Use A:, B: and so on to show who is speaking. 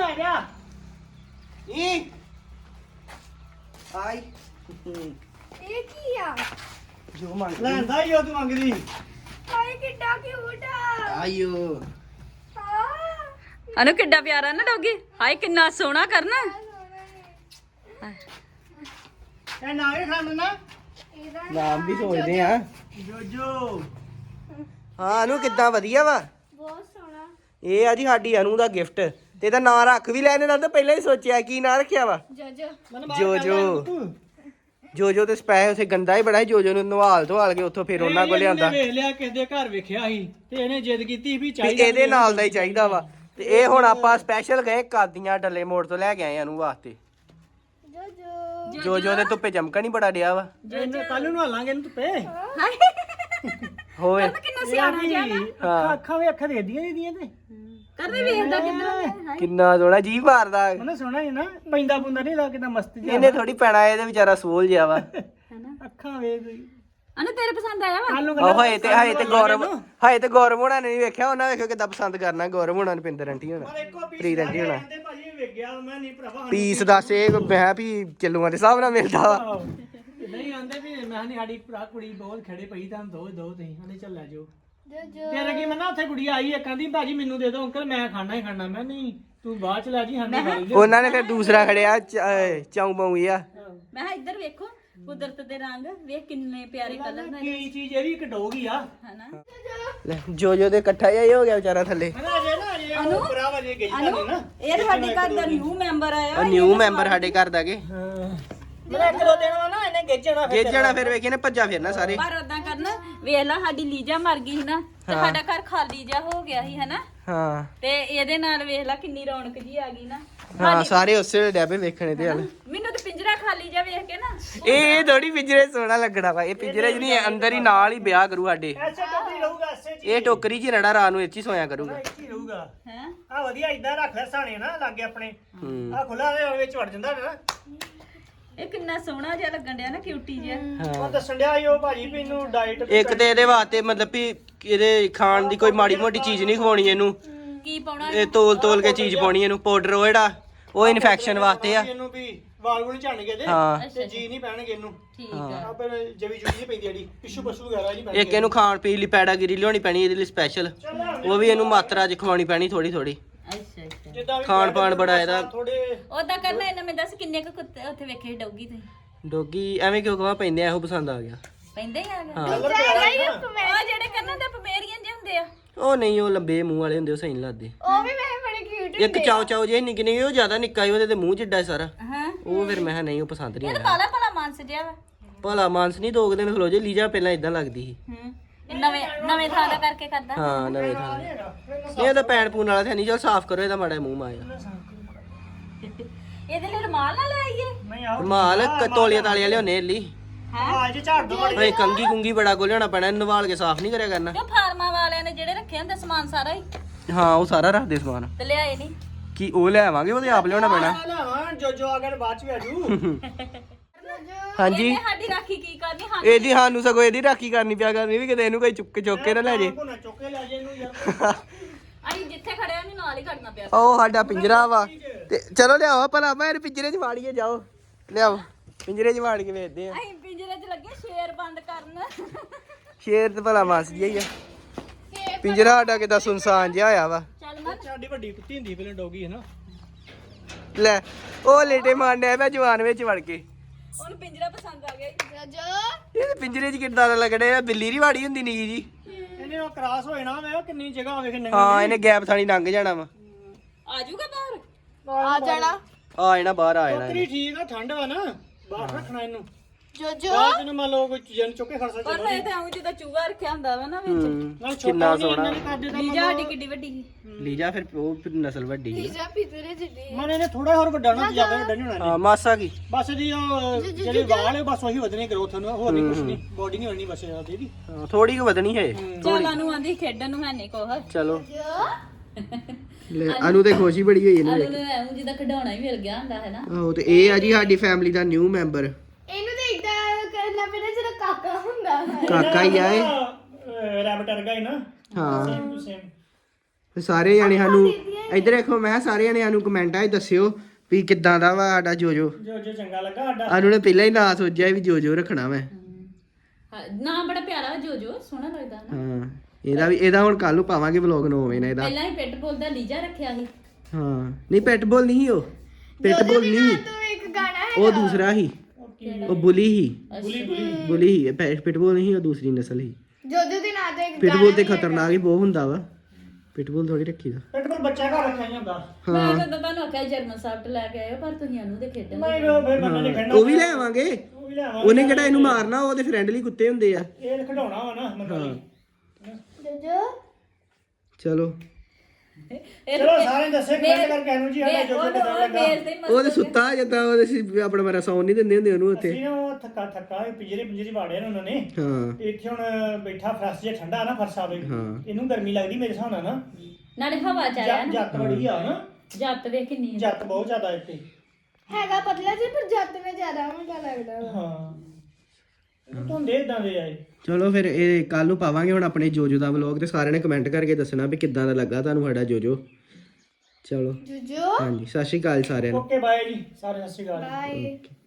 A: ਲੈ ਗਿਆ
B: ਇਹ ਆਈ
C: ਇਹ ਕੀ ਆ
B: ਜੋ ਮੰਗ
A: ਲੈਂਦਾ ਹੀ ਉਹ ਤੂੰ ਮੰਗਦੀ
C: ਹਾਏ ਕਿੱਡਾ ਕਿਊਟ ਆ
B: ਆਇਓ
D: ਅਨੂ ਕਿੱਡਾ ਪਿਆਰਾ ਨਾ ਡੋਗੀ ਹਾਏ ਕਿੰਨਾ ਸੋਹਣਾ ਕਰਨਾ
A: ਇਹ ਨਾ ਇਹ ਖਾਣ ਨਾ
C: ਇਹਦਾ
B: ਨਾਮ ਵੀ ਸੋਚਦੇ ਆ
A: ਜੋਜੋ
B: ਹਾਂ ਅਨੂ ਕਿੱਦਾਂ ਵਧੀਆ ਵਾ
C: ਬਹੁਤ ਸੋਹਣਾ
B: ਇਹ ਆ ਜੀ ਸਾਡੀ ਅਨੂ ਦਾ ਗਿਫਟ ਤੇ ਇਹਦਾ ਨਾਂ ਰੱਖ ਵੀ ਲੈਣੇ ਨਾਲ ਤਾਂ ਪਹਿਲਾਂ ਹੀ ਸੋਚਿਆ ਕੀ ਨਾਂ ਰੱਖਿਆ ਵਾ
C: ਜੋਜੋ
B: ਜੋ ਤੇ ਸਪੈ ਉਥੇ ਗੰਦਾ ਹੀ ਬੜਾ ਸੀ ਜੋ ਨੂੰ ਨਵਾਲ ਧਵਾਲ ਕੇ ਉੱਥੋਂ ਫਿਰ ਉਹਨਾਂ ਕੋਲ ਲਿਆਂਦਾ
A: ਵੇਖ ਲਿਆ ਕਿਸੇ ਦੇ ਘਰ ਵੇਖਿਆ ਸੀ ਤੇ ਇਹਨੇ ਜਿੱਦ ਕੀਤੀ ਵੀ
B: ਵੀ
A: ਚਾਹੀਦਾ
B: ਇਹਦੇ ਨਾਲ ਦਾ ਹੀ ਚਾਹੀਦਾ ਵਾ ਤੇ ਇਹ ਹੁਣ ਆਪਾਂ ਸਪੈਸ਼ਲ ਗਏ ਕਾਦੀਆਂ ਡੱਲੇ ਮੋੜ ਤੋਂ ਲੈ ਕੇ ਆਏ ਅਨੂ ਵਾਸਤੇ
C: ਜੋਜੋ
B: ਜੋ ਦੇ ਧੁੱਪੇ ਚਮਕਣ ਹੀ ਬੜਾ ਡਿਆ ਵਾ
A: ਇਹਨੇ ਕੱਲ ਨੂੰ ਨਹਾਲਾਂਗੇ ਇਹਨੂੰ ਧੁੱਪੇ
B: ਹੋਏ
D: ਕਿੰਨਾ ਸਿਆਣਾ ਜਿਹਾ ਨਾ
A: ਅੱਖਾਂ ਅੱਖਾਂ ਵੀ ਅੱਖਾਂ ਦੇਖਦੀਆਂ ਇਹਦੀਆਂ ਤੇ
D: ਕਰਨੇ ਵੇਖਦਾ ਕਿੱਧਰ
B: ਕਿੰਨਾ ਸੋਹਣਾ ਜੀ ਮਾਰਦਾ
A: ਉਹਨੇ ਸੋਹਣਾ ਹੀ ਨਾ ਪੈਂਦਾ ਪੁੰਦਾ ਨਹੀਂ ਲੱਗਦਾ ਮਸਤ ਜਿਹਾ
B: ਇਹਨੇ ਥੋੜੀ ਪੈਣਾ ਇਹਦੇ ਵਿਚਾਰਾ ਸੋਲ ਜਿਆ ਵਾ
A: ਅੱਖਾਂ ਵੇਖ
D: ਅਨੂ ਤੇਰੇ ਪਸੰਦ ਆਇਆ ਵਾ
A: ਕੱਲ ਨੂੰ
B: ਉਹ ਹਏ ਤੇ ਗੌਰਵ ਹੋਣਾ ਨੇ ਨਹੀਂ ਵੇਖਿਆ ਉਹਨਾਂ ਵੇਖੋ ਕਿੱਦਾਂ ਪਸੰਦ ਕਰਨਾ ਗੌਰਵ ਹੋਣਾ ਨੇ ਪਿੰਦਰ ਆਂਟੀ ਹੋਣਾ ਪ੍ਰੀਤ ਆਂਟੀ ਹੋਣਾ
A: ਭਾਜੀ ਵੇਖ ਗਿਆ ਮੈਂ ਨਹੀਂ ਭਰਾਵਾ
B: ਪੀਸ ਦੱਸ ਇਹ ਮੈਂ ਵੀ ਕਿਲੋਆਂ ਦੇ ਹਿਸਾਬ ਨਾਲ ਮਿਲਦਾ ਵਾ
A: ਨਹੀਂ ਆਂਦੇ ਵੀ ਮੈਂ ਨਹੀਂ ਸਾਡੀ ਭਰਾ ਕੁੜੀ ਬਹੁਤ ਖੜੇ ਪਈ ਤਾਂ ਦੋ ਤੁਸੀਂ ਹਲੇ ਚੱਲ ਲੈ ਜਾਓ
C: ਜੋਜੋ
A: ਤੇਰੇ ਕੀ ਮੈਂ ਉੱਥੇ ਕੁੜੀ ਆਈ ਇੱਕ ਕਹਿੰਦੀ ਭਾਜੀ ਮੈਨੂੰ ਦੇ ਦਿਓ ਅੰਕਲ ਮੈਂ ਖਾਣਾ ਹੀ ਖਾਣਾ ਮੈਂ ਨਹੀਂ ਤੂੰ ਬਾਅਦ ਚ ਲੈ ਜੀ ਸਾਨੂੰ ਖਾ ਲਈ
B: ਉਹਨਾਂ ਨੇ ਫਿਰ ਦੂਸਰਾ ਖੜਿਆ ਚਾਉ ਬਾਉ ਆ
D: ਮੈਂ ਕਿਹਾ ਇੱਧਰ ਵੇਖੋ ਕੁਦਰਤ ਦੇ ਰੰਗ ਵੇਖ ਕਿੰਨੇ ਪਿਆਰੇ ਕਲਰ ਨੇ
A: ਕੀ ਚੀਜ਼ ਇਹ ਵੀ ਇੱਕ ਡੋਗ ਹੀ ਆ
D: ਹਨਾ
B: ਲੈ ਜੋ ਦੇ ਇਕੱਠਾ ਹੀ ਹੋ ਗਿਆ ਵਿਚਾਰਾ ਥੱਲੇ
A: ਮੈਂ ਅਜੇ ਨਾ ਅਜੇ ਉਹ ਭਰਾਵਾ ਜੇ ਗਈ
D: ਅਨੂ ਇਹ ਤਾਂ ਸਾਡੇ ਘਰ ਦਾ ਨਿਊ ਮੈਂਬਰ ਆਇਆ
B: ਉਹ ਨਿਊ ਮੈਂਬਰ ਸਾਡੇ ਘਰ ਦਾ ਕੇ
A: ਮੇਰਾ ਇੱਕ ਦੋ ਦਿਨ ਵਾ ਨਾ ਇਹਨੇ ਗੇਜਣਾ ਫਿਰ
B: ਗੇਜਣਾ ਫਿਰ ਵੇਖੇ ਨੇ ਭੱਜਾ ਫਿਰਨਾ ਸਾਰੇ
D: ਪਰ ਉਦਾਂ ਕਰਨਾ ਵੇਖ ਲਾ ਸਾਡੀ ਲੀਜਾ ਮਰ ਗਈ ਸੀ ਨਾ ਤੇ ਸਾਡਾ ਘਰ ਖਾਲੀ ਜਿਹਾ ਹੋ ਗਿਆ ਸੀ ਹਨਾ
B: ਹਾਂ
D: ਤੇ ਇਹਦੇ ਨਾਲ ਵੇਖ ਲਾ ਕਿੰਨੀ ਰੌਣਕ ਜੀ ਆ ਗਈ ਨਾ
B: ਹਾਂ ਸਾਰੇ ਉਸੇ ਵੇਲੇ ਡੈਬੇ ਵੇਖਣੇ ਤੇ ਹਲ
D: ਮੈਨੂੰ ਤੇ ਪਿੰਜਰਾ ਖਾਲੀ ਜਿਹਾ ਵੇਖ ਕੇ ਨਾ
B: ਇਹ ਥੋੜੀ ਪਿੰਜਰੇ ਸੋਹਣਾ ਲੱਗਣਾ ਵਾ ਇਹ ਪਿੰਜਰੇ 'ਚ ਨਹੀਂ ਅੰਦਰ ਹੀ ਨਾਲ ਹੀ ਵਿਆਹ ਕਰੂ ਸਾਡੇ
A: ਐਸੇ ਟੋਕਰੀ ਰਹੂਗਾ ਐਸੇ ਚ
B: ਇਹ ਟੋਕਰੀ 'ਚ ਰੜਾ ਰਾਤ ਨੂੰ ਇੱਥੇ ਹੀ ਸੋਇਆ ਕਰੂਗਾ
A: ਹੀ ਰਹੂਗਾ
D: ਹੈ
A: ਆ ਵਧੀਆ ਇਦਾਂ ਰੱਖ ਲੈ ਸਾਣੇ ਨਾ ਲਾਗੇ ਆਪਣੇ
B: ਹੂੰ
A: ਆ ਖੁੱਲਾ ਦੇ ਵਿੱਚ ਵੜ ਜਾਂਦਾ ਨਾ
D: ਇਹ ਕਿੰਨਾ ਸੋਹਣਾ ਜਿਹਾ ਲੱਗਣ ਡਿਆ ਨਾ ਕਿਊਟੀ ਜਿਹਾ
A: ਉਹ ਦੱਸਣ ਡਿਆ ਸੀ ਉਹ ਭਾਜੀ ਵੀ ਇਹਨੂੰ ਡਾਈਟ
B: ਇੱਕ ਤੇ ਇਹਦੇ ਵਾਸਤੇ ਮਤਲਬ ਵੀ ਇਹਦੇ ਖਾਣ ਦੀ ਕੋਈ ਮਾੜੀ ਮੋਟੀ ਚੀਜ਼ ਨਹੀਂ ਖਵਾਉਣੀ ਇਹਨੂੰ
D: ਕੀ ਪਾਉਣਾ
B: ਇਹ ਤੋਲ ਕੇ ਚੀਜ਼ ਪਾਉਣੀ ਇਹਨੂੰ ਪਾਊਡਰ ਉਹ ਜਿਹੜਾ ਉਹ ਇਨਫੈਕਸ਼ਨ ਵਾਸਤੇ ਆ
A: ਇਹਨੂੰ ਵੀ ਵਾਲ ਵੁਲ ਝੜਨਗੇ ਇਹਦੇ
B: ਹਾਂ
A: ਤੇ ਜੀ ਨਹੀਂ ਪੈਣਗੇ ਇਹਨੂੰ
D: ਠੀਕ ਆ
A: ਆਪੇ ਜਵੀ ਜੁਗੀ ਨਹੀਂ ਪੈਂਦੀ ਜਿਹੜੀ ਪਿੱਛੂ ਪਸ਼ੂ ਵਗੈਰਾ ਨਹੀਂ ਪੈਣਗੇ
B: ਇੱਕ ਇਹਨੂੰ ਖਾਣ ਪੀਣ ਲਈ ਪੈਡਾਗਿਰੀ ਲਿਆਉਣੀ ਪੈਣੀ ਇਹਦੇ ਲਈ ਸਪੈਸ਼ਲ ਉਹ ਵੀ ਇਹਨੂੰ ਮਾਤਰਾ 'ਚ ਖਵਾਉਣੀ ਪੈਣੀ ਥੋੜੀ ਥੋੜੀ
D: ਅੱਛਾ ਅੱਛਾ
A: ਜਿੱਦਾਂ ਵੀ
B: ਖਾਣ ਪਾਣ ਬੜਾ ਇਹਦਾ
A: ਥੋੜੇ
D: ਉਹਦਾ ਕਰਨਾ ਇਹਨਾਂ ਮੈਂ ਦੱਸ ਕਿੰਨੇ ਕੁ ਕੁੱਤੇ ਉੱਥੇ ਵੇਖੇ ਡੌਗੀ ਤੇ
B: ਡੋਗੀ ਐਵੇਂ ਕਿਉਂ ਕਹਾਂ ਪੈਂਦੇ ਆ ਇਹੋ ਪਸੰਦ ਆ ਗਿਆ
D: ਪੈਂਦੇ ਹੀ ਆ ਗਏ
B: ਹਾਂ
A: ਕਲਰ ਪਿਆਰਾ ਹੈ ਨਾ।
D: ਉਹ ਜਿਹੜੇ ਕੰਨਾਂ ਦੇ ਪਮੇਰੀਅਨ ਜਿਹੇ ਹੁੰਦੇ ਆ
B: ਉਹ ਨਹੀਂ ਉਹ ਲੰਬੇ ਮੂੰਹ ਵਾਲੇ ਹੁੰਦੇ ਉਹ ਸਹੀ ਨਹੀਂ ਲੱਗਦੇ
C: ਉਹ ਵੀ ਮੈਂ ਬੜੇ ਕਿਊਟ
B: ਇੱਕ ਚਾਉ ਜੇ ਨਿੱਕੇ ਨਿੱਕੇ ਉਹ ਜ਼ਿਆਦਾ ਨਿੱਕਾ ਹੀ ਉਹਦੇ ਤੇ ਮੂੰਹ ਜਿੱਡਾ ਸਾਰਾ
D: ਹਾਂ
B: ਉਹ ਫਿਰ ਮੈਂ ਕਿਹਾ ਨਹੀਂ ਉਹ ਪਸੰਦ ਨਹੀਂ
D: ਇਹ ਤਾਂ
B: ਆਇਆ
D: ਕਾਲਾ ਭਲਾ ਮਾਨਸ ਜਿਹਾ ਵਾ
B: ਭਲਾ ਮਾਨਸ ਨਹੀਂ 2 ਦਿਨ ਖਲੋ ਜੇ ਲੀਜਾ ਪਹਿਲਾਂ ਇਦਾਂ ਲੱਗਦੀ ਸੀ
D: ਹੂੰ ਇਹ ਨਵੇਂ ਥਾਂ ਦਾ ਕਰਕੇ ਕਰਦਾ
B: ਹਾਂ ਨਵੇਂ ਥਾਂ ਤੇ। ਇਹ ਤਾਂ ਪੈਣ ਪੂਣ ਵਾਲਾ ਤੇ ਨਹੀਂ ਚਲ ਸਾਫ਼ ਕਰੋ ਇਹਦਾ ਮਾੜਾ ਮੂੰਹ ਮਾਇਆ
D: ਇਹਦੇ ਲਈ ਰੁਮਾਲ ਨਾ ਲਾਈਏ
A: ਨਹੀਂ ਆਓ
B: ਮਾਲ ਤੋਲੀਆਂ ਤਾਲੀਆਂ ਲਿਆਉਣੇ ਲਈ
A: ਅੱਜ ਝਾੜ ਦੋ ਬੜੀ
B: ਓਏ ਕੰਗੀ ਕੁੰਗੀ ਬੜਾ ਕੋ ਲਿਆਉਣਾ ਪੈਣਾ ਨਵਾਲ ਕੇ ਸਾਫ਼ ਨਹੀਂ ਕਰਿਆ ਕਰਨਾ
D: ਕਿਉਂ ਫਾਰਮਾਂ ਵਾਲਿਆਂ ਨੇ ਜਿਹੜੇ ਰੱਖੇ ਹੁੰਦੇ ਸਮਾਨ ਸਾਰਾ ਹੀ
B: ਹਾਂ ਉਹ ਸਾਰਾ ਰੱਖਦੇ ਸਮਾਨ
D: ਤੇ ਲਿਆਏ ਨਹੀਂ
B: ਕੀ ਉਹ ਲੈ ਆਵਾਂਗੇ ਉਹਦੇ ਆਪ ਲਿਆਉਣਾ ਪੈਣਾ
A: ਲਾਵਾਂ ਜੋ ਆ ਕੇ ਬਾਅਦ ਚ ਵੀ ਆਜੂ
B: ਹਾਂਜੀ
D: ਇਹਨੇ ਸਾਡੀ ਰਾਖੀ ਕੀ ਕਰਨੀ ਹਾਂ
B: ਇਹਦੀ ਸਾਨੂੰ ਸਗੋਂ ਇਹਦੀ ਰਾਖੀ ਕਰਨੀ ਪਿਆ ਕਰਨੀ ਵੀ ਕਿਤੇ ਇਹਨੂੰ ਕੋਈ ਚੁੱਕ ਕੇ ਨਾ ਲੈ ਜੇ
A: ਕੋਨਾ ਚੁੱਕੇ ਲੈ ਜੇ ਇਹਨੂੰ ਯਾਰ
D: ਅਸੀਂ ਜਿੱਥੇ ਖੜੇ ਆ ਨਾਲ ਹੀ ਖੜਨਾ ਪਿਆ
B: ਉਹ ਸਾਡਾ ਪਿੰਜਰਾ ਵਾ ਤੇ ਚਲੋ ਲਿਆਓ ਭਲਾ ਮੈਂ ਇਹਨੂੰ ਪਿੰਜਰੇ 'ਚ ਵਾੜੀਏ ਜਾਓ ਲਿਆਓ ਪਿੰਜਰੇ 'ਚ ਵਾੜ ਕੇ ਵੇਚਦੇ ਆ
D: ਅਸੀਂ ਪਿੰਜਰੇ 'ਚ ਲੱਗੇ ਸ਼ੇਰ ਬੰਦ ਕਰਨ
B: ਸ਼ੇਰ ਤੇ ਭਲਾ ਮਾਸ ਜਿਹਾ ਹੀ ਆ ਪਿੰਜਰਾ ਸਾਡਾ ਕਿਦਾਂ ਸੁਨਸਾਨ ਜਿਹਾ ਹੋਇਆ ਵਾ
D: ਚੱਲ ਮੈਂ
A: ਸਾਡੀ ਵੱਡੀ ਕੁੱਤੀ ਹੁੰਦੀ ਪਹਿਲਾਂ ਡੋਗੀ ਹੈ ਨਾ
B: ਲੈ ਉਹ ਲੇਟੇ ਮਾਰਨੇ ਆ ਜਵਾਨ ਵਿੱਚ ਵੜ ਕੇ
D: ਉਹਨੂੰ ਪਿੰਜਰਾ ਪਸੰਦ ਆ ਗਿਆ
C: ਜੋਜੋ
B: ਇਹ ਪਿੰਜਰੇ 'ਚ ਕਿੱਦਾਂ ਦਾ ਲੱਗਣੇ ਆ ਬਿੱਲੀ ਦੀ ਵਾੜੀ ਹੁੰਦੀ ਨੀ ਜੀ
A: ਇਹਨੇ ਉਹ ਕ੍ਰਾਸ ਹੋਏ ਨਾ ਵੇ ਕਿੰਨੀ ਜਗ੍ਹਾ ਹੋਵੇ ਕਿ
B: ਹਾਂ ਇਹਨੇ ਗੈਪ ਥਾਣੀ ਲੰਘ ਜਾਣਾ ਵਾ
D: ਆ ਜਾਊਗਾ ਬਾਹਰ
C: ਆ ਜਾਣਾ
B: ਆ ਜਾਣਾ ਬਾਹਰ ਆ ਜਾਣਾ
A: ਟੋਕਰੀ ਠੀਕ ਆ ਠੰਡ ਵਾ ਨਾ ਬਾਹਰ ਰੱਖਣਾ ਇਹਨੂੰ
C: ਜੋਜੋ
A: ਬਾਅਦ ਨੂੰ ਮੰਨ ਲਓ ਕੋਈ ਜਨ ਚੁੱਕੇ ਖੜ ਸਕਦਾ
D: ਪਰ ਇਹ ਤਾਂ ਐਂ ਜਿੱਦਾਂ ਚੂਹਾ ਰੱਖਿਆ ਹੁੰਦਾ ਵਾ ਨਾ ਵਿੱਚ
A: ਨਾਲ
B: ਕਿੰਨਾ
A: ਛੋਟਾ
B: ਸੋਹਣਾ
A: ਨਹੀਂ ਕਰਦੇ ਤਾਂ
D: ਲੀਜਾ ਸਾਡੀ ਕਿੱਡੀ ਵੱਡੀ ਸੀ
B: ਲੀਜਾ ਫਿਰ ਉਹ ਫਿਰ ਨਸਲ ਵੱਡੀ ਹੈ
C: ਪੀਜ਼ਾ ਪਿਜ਼ਰੇ ਜਿੱਡੀ
A: ਮਨ ਇਹਨੇ ਥੋੜਾ ਹੋਰ ਵੱਡਾ ਨਾ ਜ਼ਿਆਦਾ ਵੱਡਾ ਨਹੀਂ ਹੋਣਾ
B: ਹਾਂ ਮਾਸਾ ਕੀ
A: ਬਸ ਜੀ ਉਹ ਜਿਹੜੇ ਵਾਲ ਹੈ ਬਸ ਉਹੀ ਵਧਣੇ ਗਰੋਥ ਨੂੰ ਹੋਰ ਨਹੀਂ ਕੁਛ ਨਹੀਂ ਬੋਡੀ ਨਹੀਂ ਹੋਣੀ ਬਸ ਇਹਦੀ ਵੀ
B: ਥੋੜੀ ਕੁ ਵਧਣੀ ਹੈ
D: ਚਾਲਾਂ ਨੂੰ ਆਂਦੀ ਖੇਡਣ ਨੂੰ ਹੈ ਨਹੀਂ ਕੋਹ
B: ਚਲੋ ਲੈ ਅਨੂ ਤੇ ਖੁਸ਼ੀ ਬੜੀ ਹੋਈ ਇਹਨੂੰ
D: ਆਲੂ ਨੂੰ ਐਂ ਜਿੱਦਾਂ ਖਿਡੌਣਾ ਹੀ ਮਿਲ ਗਿਆ ਹੁੰਦਾ ਹੈ ਨਾ
B: ਆਹੋ ਤੇ ਇਹ ਆ ਜੀ ਸਾਡੀ ਫੈਮਿਲੀ ਦਾ ਨਿਊ ਮੈਂਬਰ
C: ਇਹਨੂੰ ਤੇ ਇਦਾਂ ਕਰਨਾ ਪੈਣਾ ਜਿਹੜਾ ਕਾਕਾ ਹੁੰਦਾ ਹੈ
B: ਕਾਕਾ ਹੀ ਆ ਇਹ
A: ਰੈਬਟ ਵਰਗਾ ਹੀ ਨਾ
B: ਹਾਂ
A: ਸੇਮ ਟੂ ਸੇਮ
B: ਤੇ ਸਾਰੇ ਜਾਣੇ ਸਾਨੂੰ ਇੱਧਰ ਦੇਖੋ, ਮੈਂ ਕਿਹਾ ਸਾਰੇ ਜਾਣੇ ਸਾਨੂੰ ਕਮੈਂਟਾਂ 'ਚ ਦੱਸਿਓ ਵੀ ਕਿੱਦਾਂ ਦਾ ਵਾ ਸਾਡਾ ਜੋਜੋ।
A: ਜੋ ਚੰਗਾ ਲੱਗਾ ਸਾਡਾ।
B: ਸਾਨੂੰ ਨੇ ਪਹਿਲਾਂ ਹੀ ਨਾਂ ਸੋਚਿਆ ਵੀ ਜੋਜੋ ਰੱਖਣਾ ਮੈਂ।
D: ਨਾ ਬੜਾ ਪਿਆਰਾ ਜੋਜੋ, ਸੋਹਣਾ ਲੱਗਦਾ ਨਾ।
B: ਹਾਂ, ਇਹਦਾ ਹੁਣ ਕੱਲ ਨੂੰ ਪਾਵਾਂਗੇ ਵਲੌਗ 9 ਵਜੇ ਨਾਲ ਇਹਦਾ।
D: ਪਹਿਲਾਂ ਹੀ ਪਿੱਟ ਬੋਲ ਦਾ ਲੀਜਾ ਰੱਖਿਆ ਸੀ।
B: ਹਾਂ, ਨਹੀਂ ਪੈਟਬੋਲ ਨਹੀਂ ਉਹ, ਪਿਟਬੋਲ ਨਹੀਂ,
C: ਤੂੰ ਇੱਕ ਗਾਣਾ ਹੈ
B: ਉਹ ਦੂਸਰਾ ਹੀ, ਉਹ ਬੁਲੀ ਹੀ,
A: ਬੁਲੀ
B: ਬੁਲੀ ਹੀ, ਪਿਟਬੋਲ ਨਹੀਂ, ਉਹ ਦੂਸਰੀ ਨਸਲ ਹੀ।
C: ਜੋਜੋ ਦੇ ਨਾਂ ਤੇ ਇੱਕ
B: ਪਿਟਬੋਲ ਤੇ ਖਤਰਨਾਕ ਹੀ ਬਹੁਤ ਹੁੰਦਾ ਵਾ, ਪਿਟਬੋਲ ਥੋੜੀ ਰੱਖੀ ਦਾ।
A: ਪਿਟਬੁਲ ਬੱਚਾ ਘਰ ਰੱਖਿਆ ਨਹੀਂ ਹੁੰਦਾ।
D: ਮੈਂ ਤਾਂ ਤੁਹਾਨੂੰ ਆਖਿਆ ਜਰਮਨ ਸਾਫਟ ਲੈ ਕੇ ਆਇਓ, ਪਰ ਤੁਸੀਂ ਇਹਨੂੰ ਦੇ ਖੇਡਣ
A: ਨਹੀਂ ਉਹ ਫਿਰ ਬੰਦੇ ਨੇ ਖੜਨਾ।
B: ਉਹ ਵੀ ਲੈ ਆਵਾਂਗੇ,
A: ਉਹ ਵੀ ਲੈ ਆਵਾਂਗੇ।
B: ਉਹਨੇ ਕਿਹੜਾ ਇਹਨੂੰ ਮਾਰਨਾ, ਉਹਦੇ ਫਰੈਂਡਲੀ ਕੁੱਤੇ ਹੁੰਦੇ ਆ।
A: ਇਹ ਖਿਡਾਉਣਾ ਵਾ ਨਾ ਮੰਗਲੀ।
C: ਜੋਜੋ
B: ਚਲੋ
A: ਚਲੋ ਸਾਰੇ ਦੱਸੇ ਕਮੈਂਟ ਕਰਕੇ ਇਹਨੂੰ ਜੀ ਸਾਡਾ ਜੋ ਕਿਦਾਂ ਲੱਗਾ।
B: ਉਹ ਤੇ ਸੁੱਤਾ ਜਿੱਦਾਂ ਉਹਦੇ ਸੀ, ਆਪਣਾ ਮੇਰਾ ਸੌਣ ਨਹੀਂ ਦਿੰਦੇ ਹੁੰਦੇ ਉਹਨੂੰ ਉੱਥੇ।
A: ਅਸੀਂ ਨਾ ਉਹ ਥੱਕਾ ਪਿੰਜਰੇ ਵਾੜਿਆ ਨੇ ਉਹਨਾਂ ਨੇ।
B: ਹਾਂ
A: ਤੇ ਇੱਥੇ ਹੁਣ ਬੈਠਾ ਫਰਸ਼ ਜੇ ਠੰਡਾ ਨਾ ਫਰਸ਼ਾ ਵੇ,
B: ਹਾਂ।
A: ਇਹਨੂੰ ਗਰਮੀ ਲੱਗਦੀ ਮੇਰੇ ਹਿਸਾਬ ਨਾਲ ਨਾ।
D: ਨਾਲੇ ਹਵਾ ਚ ਆਇਆ ਨਾ,
A: ਜੱਤ ਬੜੀ ਆ ਨਾ,
D: ਜੱਤ ਵੇ ਕਿੰਨੀ ਆ।
A: ਜੱਤ ਬਹੁਤ ਜ਼ਿਆਦਾ ਇੱਥੇ।
C: ਹੈਗਾ ਪਤਲਾ ਜਿਹਾ ਪਰ ਜੱਤ ਵਿੱਚ ਜ਼ਿਆਦਾ ਮੋਟਾ ਲੱਗਦਾ ਵਾ।
A: ਹਾਂ ਧੁੰਦੇ ਇਦਾਂ ਦੇ ਆਏ।
B: ਚਲੋ ਫਿਰ ਇਹ ਕੱਲ ਨੂੰ ਪਾਵਾਂਗੇ ਹੁਣ ਆਪਣੇ ਜੋਜੋ ਦਾ ਵਲੌਗ, ਤੇ ਸਾਰਿਆਂ ਨੇ ਕਮੈਂਟ ਕਰਕੇ ਦੱਸਣਾ ਵੀ ਕਿੱਦਾਂ ਦਾ ਲੱਗਾ ਤੁਹਾਨੂੰ ਸਾਡਾ ਜੋਜੋ। ਚਲੋ
C: ਜੋਜੋ
B: ਹਾਂਜੀ, ਸਤਿ ਸ਼੍ਰੀ ਅਕਾਲ ਸਾਰਿਆਂ ਨੂੰ।
A: ਓਕੇ ਬਾਏ ਜੀ, ਸਾਰੇ ਸਤਿ ਸ਼੍ਰੀ ਅਕਾਲ।
C: ਬਾਏ।